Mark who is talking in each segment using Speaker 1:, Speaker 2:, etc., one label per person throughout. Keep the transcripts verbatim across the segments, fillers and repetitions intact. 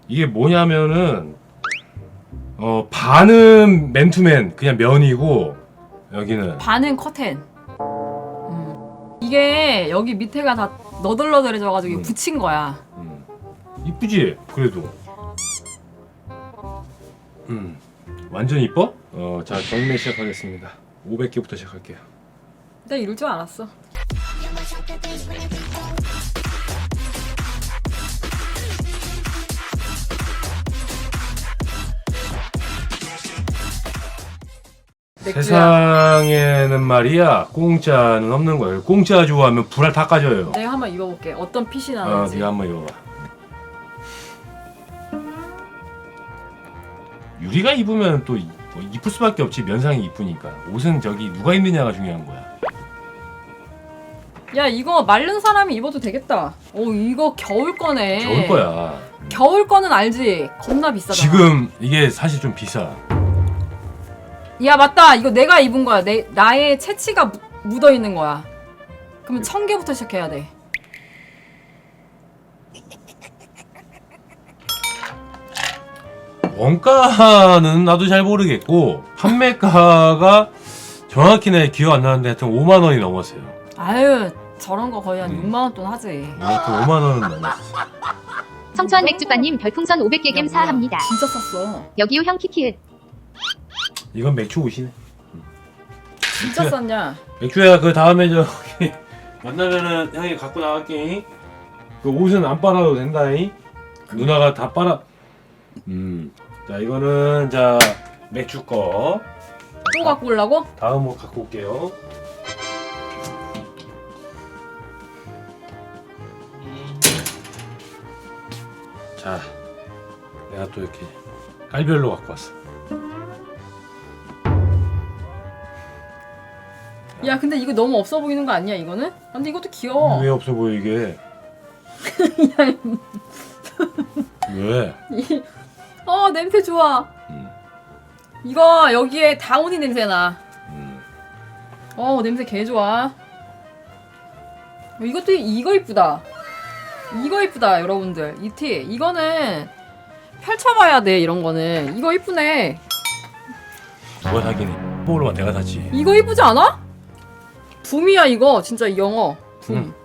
Speaker 1: 이게 뭐냐면은 어 반은 맨투맨 그냥 면이고 여기는
Speaker 2: 반은 커튼. 음. 이게 여기 밑에가 다 너덜너덜해져가지고
Speaker 1: 음.
Speaker 2: 붙인 거야.
Speaker 1: 음. 이쁘지? 그래도 음 완전 이뻐? 어 자 경매 시작하겠습니다. 오백 개부터 시작할게요.
Speaker 2: 내가 이럴 줄 알았어. 맥주야.
Speaker 1: 세상에는 말이야 공짜는 없는 거예요. 공짜 좋아하면 불알 다 까져요.
Speaker 2: 내가 한번 입어볼게. 어떤 핏이
Speaker 1: 어,
Speaker 2: 나는지.
Speaker 1: 네가 한번 입어봐. 유리가 입으면 또 이- 뭐 이쁠 수밖에 없지. 면상이 이쁘니까. 옷은 저기 누가 입느냐가 중요한 거야.
Speaker 2: 야 이거 마른 사람이 입어도 되겠다. 오 이거 겨울 거네.
Speaker 1: 겨울 거야.
Speaker 2: 겨울 거는 알지? 겁나 비싸잖아.
Speaker 1: 지금 이게 사실 좀 비싸.
Speaker 2: 야 맞다. 이거 내가 입은 거야. 내 나의 채취가 무- 묻어 있는 거야. 그러면 천 개부터 시작해야 돼.
Speaker 1: 원가는 나도 잘 모르겠고 판매가가 정확히 내 기억 안 나는데 하여튼 오만 원이 넘었어요.
Speaker 2: 아유 저런 거 거의 한
Speaker 1: 음.
Speaker 2: 육만 원 돈 하지.
Speaker 1: 하여튼 오만 원은 넘었어.
Speaker 3: 성추한 맥주빠님 별풍선 오백 개 겜
Speaker 2: 야, 뭐야.
Speaker 3: 사합니다.
Speaker 2: 진짜 쌌어.
Speaker 3: 여기요 형 키키읒.
Speaker 1: 이건 맥주 옷이네.
Speaker 2: 진짜
Speaker 1: 맥주야.
Speaker 2: 쌌냐?
Speaker 1: 맥주야 그 다음에 저기 만나면은 형이 갖고 나갈게. 그 옷은 안 빨아도 된다잉. 누나가 다 빨아. 음. 자 이거는 자 맥주 거.
Speaker 2: 또 갖고 오려고?
Speaker 1: 다음 옷 갖고 올게요. 자, 내가 또 이렇게 깔별로 갖고 왔어.
Speaker 2: 야 근데 이거 너무 없어 보이는 거 아니야 이거는? 아, 근데 이것도 귀여워.
Speaker 1: 왜 없어 보이게? 왜?
Speaker 2: 이- 어 냄새 좋아.
Speaker 1: 음,
Speaker 2: 이거 여기에 다운이 냄새 나.
Speaker 1: 음.
Speaker 2: 어 냄새 개 좋아. 어, 이것도 이거 이쁘다. 이거 이쁘다 여러분들. 이 티 이거는 펼쳐봐야 돼 이런 거는. 이거 이쁘네.
Speaker 1: 누가 사기니? 뭐로 내가 샀지.
Speaker 2: 이거 이쁘지 않아? 붐이야 이거 진짜 이 영어. 붐.
Speaker 1: 음.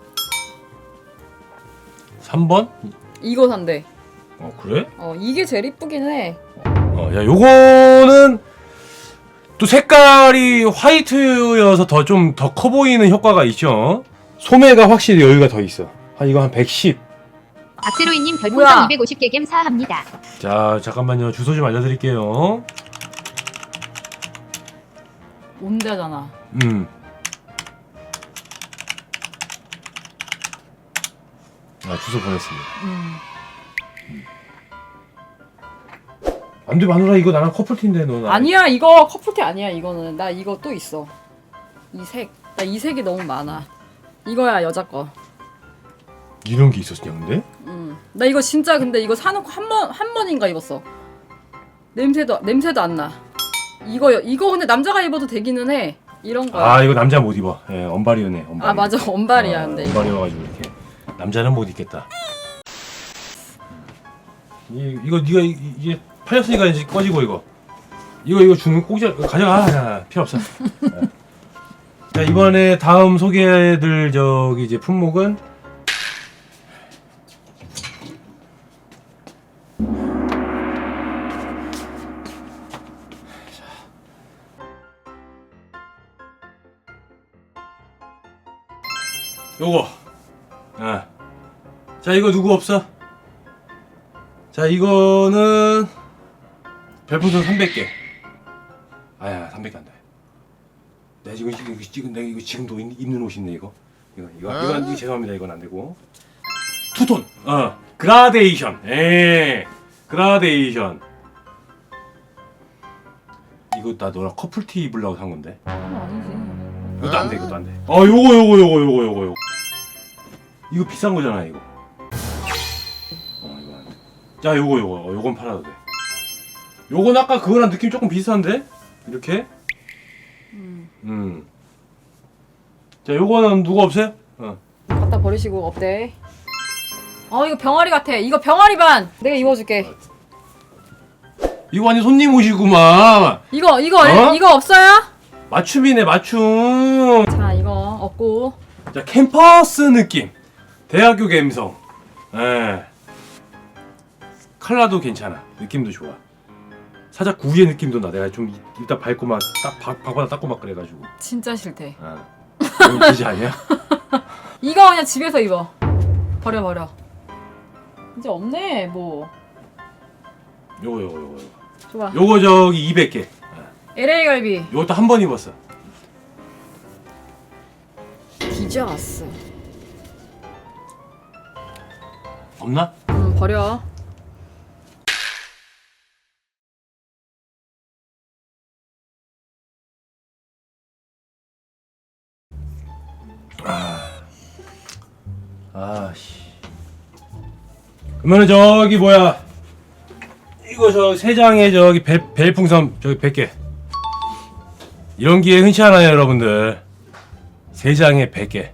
Speaker 1: 삼 번?
Speaker 2: 이거 산대.
Speaker 1: 어 그래?
Speaker 2: 어 이게 제일 이쁘긴 해.
Speaker 1: 어, 야 요거는 또 색깔이 화이트여서 더 좀 더 커 보이는 효과가 있죠. 소매가 확실히 여유가 더 있어. 한 이거 한 백십.
Speaker 3: 박세로이님
Speaker 2: 뭐야?
Speaker 3: 별풍선 이백오십 개 겜 사합니다.
Speaker 1: 자 잠깐만요. 주소 좀 알려드릴게요.
Speaker 2: 온대잖아.
Speaker 1: 음. 아 주소 보냈습니다.
Speaker 2: 음.
Speaker 1: 안돼 마누라 이거 나랑 커플티인데 너. 나.
Speaker 2: 아니야 이거 커플티 아니야 이거는. 나 이거 또 있어. 이 색. 나 이 색이 너무 많아. 이거야 여자 거.
Speaker 1: 이런 게 있었냐 근데?
Speaker 2: 음. 나 이거 진짜 근데 이거 사놓고 한 번 한 번인가 입었어. 냄새도 냄새도 안 나. 이거 이거 근데 남자가 입어도 되기는 해. 이런 거야.
Speaker 1: 아 이거 남자 못 입어. 예 언발이네. 언발.
Speaker 2: 아 맞아 언발이야
Speaker 1: 아,
Speaker 2: 근데.
Speaker 1: 언발이어가지고 이렇게 남자는 못 입겠다. 이 이거 네가 이- 이게 팔렸으니까 이제 꺼지고 이거. 이거 이거 주는 꼭 가져가. 야, 필요 없어. 예. 자 이번에 다음 소개해드릴 저기 이제 품목은 요거. 아. 자 이거 누구 없어? 자 이거는 별풍선 삼백 개. 아야 삼백 개 안 돼. 내가 지금 이거 지금 내가 이거 지금도 입- 입는 옷인데 이거. 이거 이거 이거 이거 죄송합니다 이건 안 되고. 투톤. 어. 그라데이션. 예. 그라데이션. 이거 나 너랑 커플티 입으려고 산 건데.
Speaker 2: 어, 아니지.
Speaker 1: 이것도 안 돼, 이것도 안 돼. 아, 요거, 요거, 요거, 요거, 요거, 요거. 이거 비싼 거잖아, 이거. 어, 이거 안 돼. 자, 요거, 요거, 어, 요건 팔아도 돼. 요건 아까 그거랑 느낌 조금 비슷한데? 이렇게?
Speaker 2: 음.
Speaker 1: 음. 자, 요거는 누가 없어요? 어.
Speaker 2: 갖다 버리시고 없대. 어 이거 병아리 같아. 이거 병아리 반. 내가 입어줄게.
Speaker 1: 이거 완전 손님 오시구만.
Speaker 2: 이거 이거
Speaker 1: 어?
Speaker 2: 이거 없어요?
Speaker 1: 맞춤이네 맞춤.
Speaker 2: 자 이거 없고.
Speaker 1: 자 캠퍼스 느낌. 대학교 감성. 예. 컬러도 괜찮아. 느낌도 좋아. 살짝 구이의 느낌도 나. 내가 좀 이- 이따 밟고 막딱 박바닥 닦고 막 그래가지고.
Speaker 2: 진짜 싫대.
Speaker 1: 아. 너무 기지 아니야?
Speaker 2: 이거 그냥 집에서 입어. 버려 버려. 이제 없네 뭐.
Speaker 1: 요거 요거 요거.
Speaker 2: 좋아.
Speaker 1: 요거 저기 이백 개.
Speaker 2: 엘에이 갈비.
Speaker 1: 요것도 한 번 입었어.
Speaker 2: 뒤져왔어.
Speaker 1: 없나?
Speaker 2: 음 버려.
Speaker 1: 아씨. 그러면은 저기 뭐야? 이거 저 세 장에 저기 벨 벨풍선 저기 백 개. 이런 기회 흔치 않아요, 여러분들. 세 장에 백 개.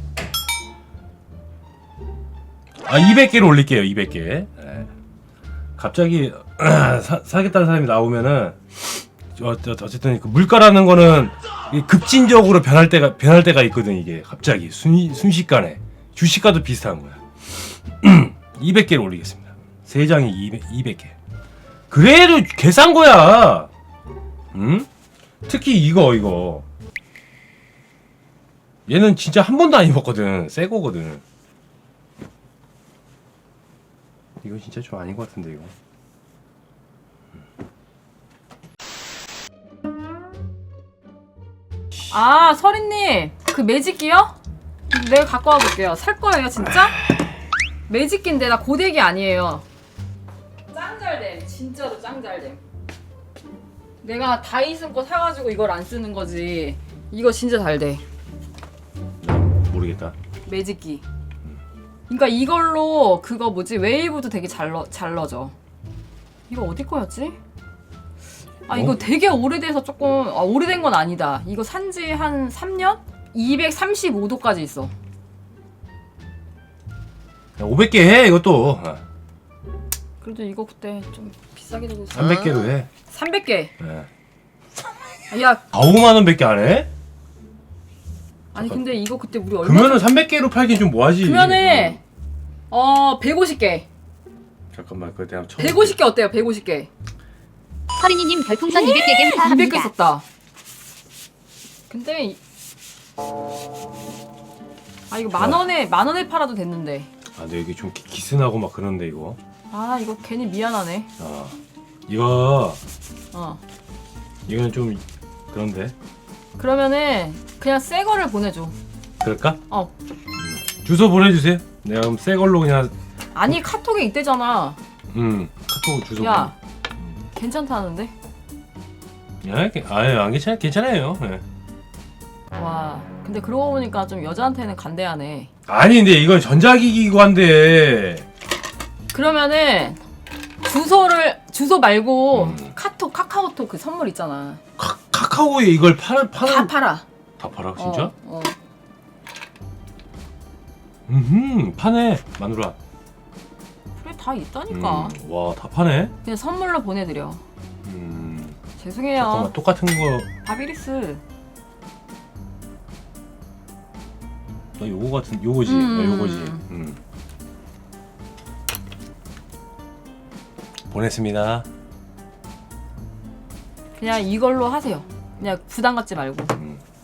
Speaker 1: 아, 이백 개를 올릴게요, 이백 개. 네. 갑자기 사, 사겠다는 사람이 나오면은 어, 저, 어쨌든 그 물가라는 거는 이게 급진적으로 변할 때가 변할 때가 있거든. 이게 갑자기 순 순식간에 주식과도 비슷한 거야. 이백 개를 올리겠습니다. 세 장에 이백, 이백 개. 그래도 개싼 거야. 응? 특히 이거 이거. 얘는 진짜 한 번도 안 입었거든. 새 거거든. 이거 진짜 좀 아닌 것 같은데 이거.
Speaker 2: 아 서린님 그 매직기요? 내가 갖고 와볼게요. 살 거예요 진짜? 매직기인데 나 고데기 아니에요. 짱 잘됨. 진짜로 짱 잘됨. 내가 다이슨 거 사가지고 이걸 안 쓰는 거지. 이거 진짜 잘돼.
Speaker 1: 모르겠다.
Speaker 2: 매직기. 그러니까 이걸로 그거 뭐지 웨이브도 되게 잘 넣, 잘 넣어져. 이거 어디 거였지? 아 이거
Speaker 1: 어?
Speaker 2: 되게 오래돼서 조금 아, 오래된 건 아니다. 이거 산지 한 삼 년? 이백삼십오 도까지 있어.
Speaker 1: 오백 개 해 이것도.
Speaker 2: 그래도 이거 그때 좀 비싸게 들고 있어.
Speaker 1: 삼백 개로 해.
Speaker 2: 삼백 개.
Speaker 1: 네.
Speaker 2: 야
Speaker 1: 아오만 원밖에 안 해?
Speaker 2: 아니 근데 이거 그때 우리 얼마?
Speaker 1: 그러면은 삼백 개로 팔긴 좀 뭐하지?
Speaker 2: 그러면은 어 백오십 개.
Speaker 1: 잠깐만 그거 내가 처음.
Speaker 2: 백오십 개 어때요? 백오십 개.
Speaker 3: 서린이님 별풍선 이백 개 겜
Speaker 2: 이백 개
Speaker 3: 사합니다.
Speaker 2: 썼다. 근데 이- 아 이거 만 원에 만 원에 팔아도 됐는데.
Speaker 1: 아 근데 여기 좀 기- 기스나고 막 그런데 이거.
Speaker 2: 아 이거 괜히 미안하네.
Speaker 1: 아 이거
Speaker 2: 어.
Speaker 1: 이건 좀 그런데.
Speaker 2: 그러면은 그냥 새 거를 보내줘.
Speaker 1: 그럴까?
Speaker 2: 어.
Speaker 1: 주소 보내주세요. 내가 그럼 새 걸로 그냥
Speaker 2: 아니 카톡에 있대잖아.
Speaker 1: 음 카톡 주소.
Speaker 2: 야 괜찮다는데?
Speaker 1: 보내. 야, 아유 안 괜찮 괜찮아요. 예.
Speaker 2: 와 근데 그러고 보니까 좀 여자한테는 간대하네.
Speaker 1: 아니 근데 이건 전자기기고 한데.
Speaker 2: 그러면은 주소를 주소 말고
Speaker 1: 음.
Speaker 2: 카톡 카카오톡 그 선물 있잖아.
Speaker 1: 카, 카카오에 이걸 파는 파는
Speaker 2: 다 팔아.
Speaker 1: 다 팔아 진짜?
Speaker 2: 어, 어.
Speaker 1: 음 파네 마누라.
Speaker 2: 그래 다 있다니까.
Speaker 1: 음, 와 다 파네.
Speaker 2: 그냥 선물로 보내드려.
Speaker 1: 음
Speaker 2: 죄송해요.
Speaker 1: 잠깐만 똑같은 거.
Speaker 2: 바비리스.
Speaker 1: 나 요거 같은 요거지.
Speaker 2: 음.
Speaker 1: 나 요거지. 음. 보냈습니다.
Speaker 2: 그냥 이걸로 하세요. 그냥 부담 갖지 말고.
Speaker 1: 음.